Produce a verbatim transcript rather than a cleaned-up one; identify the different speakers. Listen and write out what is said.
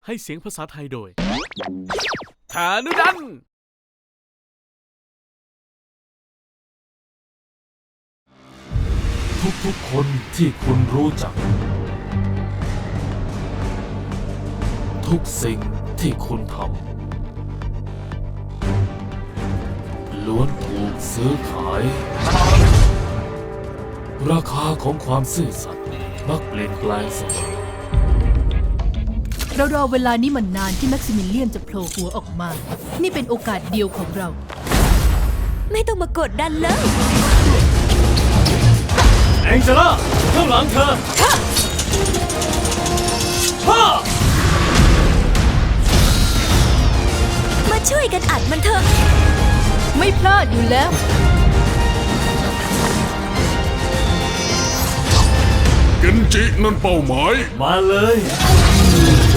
Speaker 1: ให้เสียงภาษาไทยโดยฐานุดัน
Speaker 2: ทุกๆคนที่คุณรู้จักทุกสิ่งที่คุณทำล้วนถูกซื้อขายราคาของความซื่อสัตย์มักเปลี่ยนแปลงเสมอ
Speaker 3: เรารอเวลานี้มันนานที่แม็กซิมิเลียนจะโผล่หัวออกมานี่เป็นโอกาสเดียวของเรา
Speaker 4: ไม่ต้องมากดดันเลย
Speaker 1: แองเจล่าข้างหลังเธอฮ่า
Speaker 4: มาช่วยกันอัดมันเถอะ
Speaker 3: ไม่พลาดอยู่แล้ว
Speaker 5: เกนจินั่นเป้าหมาย
Speaker 1: มาเลย